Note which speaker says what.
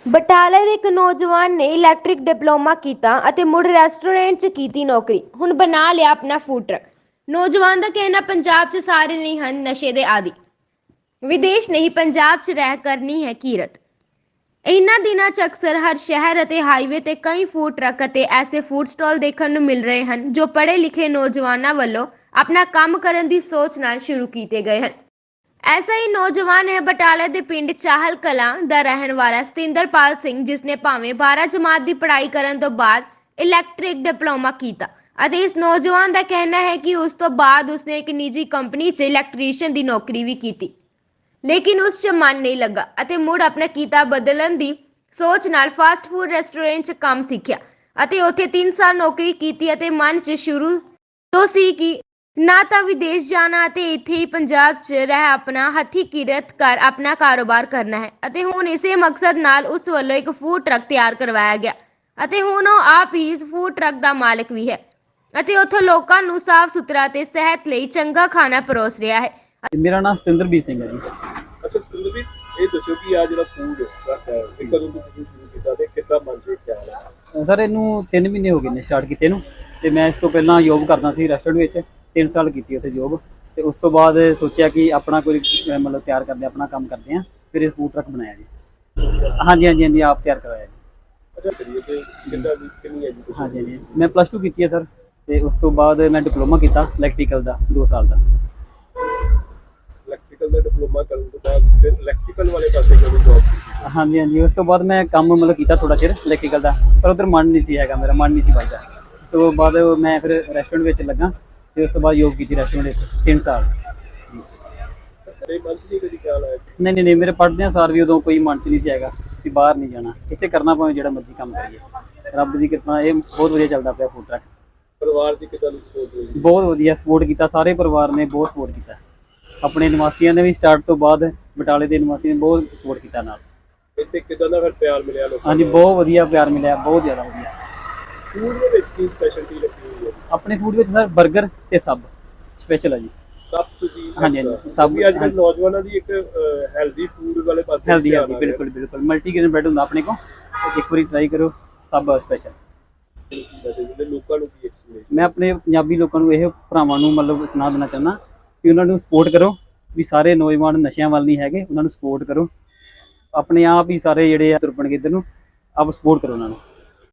Speaker 1: ਬਟਾਲਾ ਦੇ ਇੱਕ ਨੌਜਵਾਨ ਨੇ ਇਲੈਕਟ੍ਰਿਕ ਡਿਪਲੋਮਾ ਕੀਤਾ ਅਤੇ ਮੁੜ ਰੈਸਟੋਰੈਂਟ 'ਚ ਕੀਤੀ ਨੌਕਰੀ। ਹੁਣ ਬਣਾ ਲਿਆ ਆਪਣਾ ਫੂਡ ਟਰੱਕ। ਨੌਜਵਾਨ ਦਾ ਕਹਿਣਾ ਪੰਜਾਬ 'ਚ ਸਾਰੇ ਨਹੀਂ ਹਨ ਨਸ਼ੇ ਦੇ ਆਦੀ। ਵਿਦੇਸ਼ ਨਹੀਂ ਪੰਜਾਬ 'ਚ ਰਹਿ ਕਰਨੀ ਹੈ ਕੀਰਤ। ਇਹਨਾਂ ਦਿਨਾਂ 'ਚ ਅਕਸਰ ਹਰ ਸ਼ਹਿਰ ਅਤੇ ਹਾਈਵੇ ਤੇ ਕਈ ਫੂਡ ਟਰੱਕ ਅਤੇ ਐਸੇ ਫੂਡ ਸਟਾਲ ਦੇਖਣ ਨੂੰ ਮਿਲ ਰਹੇ ਹਨ ਜੋ ਪੜ੍ਹੇ ਲਿਖੇ ਨੌਜਵਾਨਾਂ ਵੱਲੋਂ ਆਪਣਾ ਕੰਮ ਕਰਨ ਦੀ ਸੋਚ ਨਾਲ ਸ਼ੁਰੂ ਕੀਤੇ ਗਏ ਹਨ। ऐसा ही नौजवान है बटाला के पिंड चाहल कलां ਦਾ ਰਹਿਣ ਵਾਲਾ ਸਤਿੰਦਰਪਾਲ ਸਿੰਘ ਜਿਸ ਨੇ ਭਾਵੇਂ 12 ਜਮਾਤ ਦੀ ਪੜ੍ਹਾਈ ਕਰਨ ਤੋਂ ਬਾਅਦ ਇਲੈਕਟ੍ਰਿਕ ਡਿਪਲੋਮਾ ਕੀਤਾ ਅਤੇ ਇਸ ਨੌਜਵਾਨ ਦਾ ਕਹਿਣਾ ਹੈ ਕਿ ਉਸ ਤੋਂ ਬਾਅਦ ਉਸਨੇ ਇੱਕ ਨਿੱਜੀ ਕੰਪਨੀ 'ਚ ਇਲੈਕਟ੍ਰੀਸ਼ੀਅਨ ਦੀ ਨੌਕਰੀ ਵੀ ਕੀਤੀ ਲੇਕਿਨ ਉਸ 'ਚ ਮਨ ਨਹੀਂ ਲੱਗਾ ਅਤੇ ਮੁੜ ਆਪਣਾ ਕੀਤਾ ਬਦਲਣ ਦੀ ਸੋਚ ਨਾਲ ਫਾਸਟ ਫੂਡ ਰੈਸਟੋਰੈਂਟ 'ਚ ਕੰਮ ਸਿੱਖਿਆ ਅਤੇ ਉੱਥੇ 3 ਸਾਲ ਨੌਕਰੀ ਕੀਤੀ ਅਤੇ ਮਨ 'ਚ ਸ਼ੁਰੂ ਤੋਂ ਸੀ ਕਿ ਨਾ ਤਾਂ ਵਿਦੇਸ਼ ਜਾਣਾ ਅਤੇ ਇੱਥੇ ਹੀ ਪੰਜਾਬ 'ਚ ਰਹਿ ਆਪਣਾ ਹੱਥੀਂ ਕਿਰਤ ਕਰ ਆਪਣਾ ਕਾਰੋਬਾਰ ਕਰਨਾ ਹੈ ਅਤੇ ਹੁਣ ਇਸੇ ਮਕਸਦ ਨਾਲ ਉਸ ਵੱਲੋਂ ਇੱਕ ਫੂਡ ਟਰੱਕ ਤਿਆਰ ਕਰਵਾਇਆ ਗਿਆ ਅਤੇ ਹੁਣ ਉਹ ਆਪ ਹੀ ਇਸ ਫੂਡ ਟਰੱਕ ਦਾ ਮਾਲਕ ਵੀ ਹੈ ਅਤੇ ਉੱਥੇ ਲੋਕਾਂ ਨੂੰ ਸਾਫ਼ ਸੁਥਰਾ ਤੇ ਸਿਹਤ ਲਈ ਚੰਗਾ ਖਾਣਾ ਪਰੋਸ ਰਿਹਾ ਹੈ।
Speaker 2: ਮੇਰਾ ਨਾਮ ਸਤਿੰਦਰਬੀਰ ਸਿੰਘ ਹੈ ਜੀ।
Speaker 3: ਅੱਛਾ ਸਤਿੰਦਰਬੀਰ, ਇਹ ਦੱਸੋ ਕਿ ਆ ਜਿਹੜਾ ਫੂਡ ਟਰੱਕ ਹੈ ਇਹ ਕਦੋਂ ਤੋਂ ਤੁਸੀਂ ਸ਼ੁਰੂ ਕੀਤਾ ਤੇ ਕਿੱਦਾਂ ਬਣ ਕੇ ਖਿਆਲ ਹੈ?
Speaker 2: ਸਰ ਇਹਨੂੰ 3 ਮਹੀਨੇ ਹੋ ਗਏ ਨੇ ਸਟਾਰਟ ਕੀਤੇ ਨੂੰ ਤੇ ਮੈਂ ਇਸ ਤੋਂ ਪਹਿਲਾਂ ਜੋਬ ਕਰਦਾ ਸੀ ਰੈਸਟੋਰੈਂਟ ਵਿੱਚ 3 ਸਾਲ ਕੀਤੀ ਉੱਥੇ ਜੋਬ ਤੇ ਉਸ ਤੋਂ ਬਾਅਦ ਸੋਚਿਆ ਕਿ ਆਪਣਾ ਕੋਈ ਮਤਲਬ ਤਿਆਰ ਕਰਦੇ ਆਪਣਾ ਕੰਮ ਕਰਦੇ ਹਾਂ ਫਿਰ ਇਹ ਫੂਡ ਟਰੱਕ ਬਣਾਇਆ ਜੀ। ਹਾਂਜੀ ਆਪ ਤਿਆਰ ਕਰਵਾਇਆ ਜੀ।
Speaker 3: ਅੱਛਾ ਕਰੀਏ ਤੇ ਕਿੰਨਾ ਵੀ ਕਿੰਨੀ ਐਜੂਕੇਸ਼ਨ?
Speaker 2: ਹਾਂਜੀ ਮੈਂ +2 ਕੀਤੀ ਹੈ ਸਰ ਤੇ ਉਸ ਤੋਂ ਬਾਅਦ ਮੈਂ ਡਿਪਲੋਮਾ ਕੀਤਾ ਇਲੈਕਟ੍ਰੀਕਲ ਦਾ 2 ਸਾਲ ਦਾ।
Speaker 3: ਇਲੈਕਟ੍ਰੀਕਲ ਦਾ ਡਿਪਲੋਮਾ ਕਰਨ ਤੋਂ ਬਾਅਦ ਫਿਰ ਇਲੈਕਟ੍ਰੀਕਲ ਵਾਲੇ ਪਾਸੇ ਕਿਉਂ ਜੌਬ ਕੀਤੀ?
Speaker 2: ਹਾਂਜੀ ਉਸ ਤੋਂ ਬਾਅਦ ਮੈਂ ਕੰਮ ਮਤਲਬ ਕੀਤਾ ਥੋੜਾ ਚਿਰ ਇਲੈਕਟ੍ਰੀਕਲ ਦਾ ਪਰ ਉਧਰ ਮਨ ਨਹੀਂ ਸੀ ਹੈਗਾ, ਮੇਰਾ ਮਨ ਨਹੀਂ ਸੀ ਵੱਜਦਾ। ਉਸ ਤੋਂ ਬਾਅਦ ਮੈਂ ਫਿਰ ਰੈਸਟੋਰੈਂਟ ਵਿੱਚ ਲੱਗਾ ਤੇ ਉਸ ਤੋਂ ਬਾਅਦ ਜੋਬ ਕੀਤੀ ਰੈਸਟੋਰੈਂਟ ਵਿੱਚ 3 ਸਾਲ।
Speaker 3: ਸਾਰੇ ਮਨ 'ਚ ਨਹੀਂ ਕਦੀ ਖਿਆਲ ਆਇਆ?
Speaker 2: ਨਹੀਂ ਮੇਰੇ ਪੜ੍ਹਦਿਆਂ ਸਾਰ ਵੀ ਉਦੋਂ ਕੋਈ ਮਨ 'ਚ ਨਹੀਂ ਸੀ ਹੈਗਾ ਕਿ ਬਾਹਰ ਨਹੀਂ ਜਾਣਾ, ਇੱਥੇ ਕਰਨਾ ਭਾਵੇਂ ਜਿਹੜਾ ਮਰਜ਼ੀ ਕੰਮ ਕਰੀਏ। ਰੱਬ ਦੀ ਕਿਰਪਾ ਇਹ ਬਹੁਤ ਵਧੀਆ ਚੱਲਦਾ ਪਿਆ ਫੂਡ ਟਰੱਕ।
Speaker 3: ਪਰਿਵਾਰ ਦੀ ਕਿੱਦਾਂ ਦੀ ਸਪੋਰਟ ਹੋਈ?
Speaker 2: ਬਹੁਤ ਵਧੀਆ ਸਪੋਰਟ ਕੀਤਾ, ਸਾਰੇ ਪਰਿਵਾਰ ਨੇ ਬਹੁਤ ਸਪੋਰਟ ਕੀਤਾ। ਆਪਣੇ ਨਿਵਾਸੀਆਂ ਨੇ ਵੀ ਸਟਾਰਟ ਤੋਂ ਬਾਅਦ ਬਟਾਲੇ ਦੇ ਨਿਵਾਸੀਆਂ ਨੇ ਬਹੁਤ ਸਪੋਰਟ ਕੀਤਾ ਨਾਲ।
Speaker 3: ਇੱਥੇ ਕਿੱਦਾਂ ਦਾ ਫਿਰ ਪਿਆਰ ਮਿਲਿਆ ਲੋਕਾਂ
Speaker 2: ਹਾਂਜੀ ਬਹੁਤ ਵਧੀਆ ਪਿਆਰ ਮਿਲਿਆ, ਬਹੁਤ ਜ਼ਿਆਦਾ ਵਧੀਆ।
Speaker 3: ਫੂਡ ਦੇ ਵਿੱਚ ਕੀ ਸਪੈਸ਼ਲਟੀ ਲੱਗੀ ਹੋਈ ਹੈ?
Speaker 2: ਆਪਣੇ ਫੂਡ ਵਿੱਚ ਸਰ 버ਗਰ ਤੇ ਸਬ ਸਪੈਸ਼ਲ ਹੈ ਜੀ।
Speaker 3: ਸਭ ਤੁਸੀਂ
Speaker 2: ਹਾਂਜੀ ਸਭ
Speaker 3: ਵੀ ਅੱਜ ਕੱਲ੍ਹ ਨੌਜਵਾਨਾਂ ਦੀ ਇੱਕ ਹੈਲਦੀ ਫੂਡ ਵਾਲੇ ਪਾਸੇ
Speaker 2: ਹੈਲਦੀ ਬਿਲਕੁਲ ਮਲਟੀਗ੍ਰੇਨ ਬ੍ਰੈਡ ਹੁੰਦਾ ਆਪਣੇ ਕੋਲ, ਇੱਕ ਵਾਰੀ ਟਰਾਈ ਕਰੋ ਸਭ ਸਪੈਸ਼ਲ।
Speaker 3: ਲੋਕਾਂ ਨੂੰ ਕੀ ਐਕਸਪੀਰੀਅੰਸ?
Speaker 2: ਮੈਂ ਆਪਣੇ ਪੰਜਾਬੀ ਲੋਕਾਂ ਨੂੰ ਇਹ ਭਰਾਵਾਂ ਨੂੰ ਮਤਲਬ ਸੁਣਾ ਦੇਣਾ ਚਾਹੁੰਦਾ ਕਿ ਉਹਨਾਂ ਨੂੰ ਸਪੋਰਟ ਕਰੋ ਵੀ ਸਾਰੇ ਨੌਜਵਾਨ ਨਸ਼ਿਆਂ ਵੱਲ ਨਹੀਂ ਹੈਗੇ, ਉਹਨਾਂ ਨੂੰ ਸਪੋਰਟ ਕਰੋ। ਆਪਣੇ ਆਪ ਹੀ ਸਾਰੇ ਜਿਹੜੇ ਆ ਤੁਰ ਪਣਗੇ ਇੱਧਰ ਨੂੰ, ਆਪ ਸਪੋਰਟ ਕਰੋ ਉਹਨਾਂ ਨੂੰ।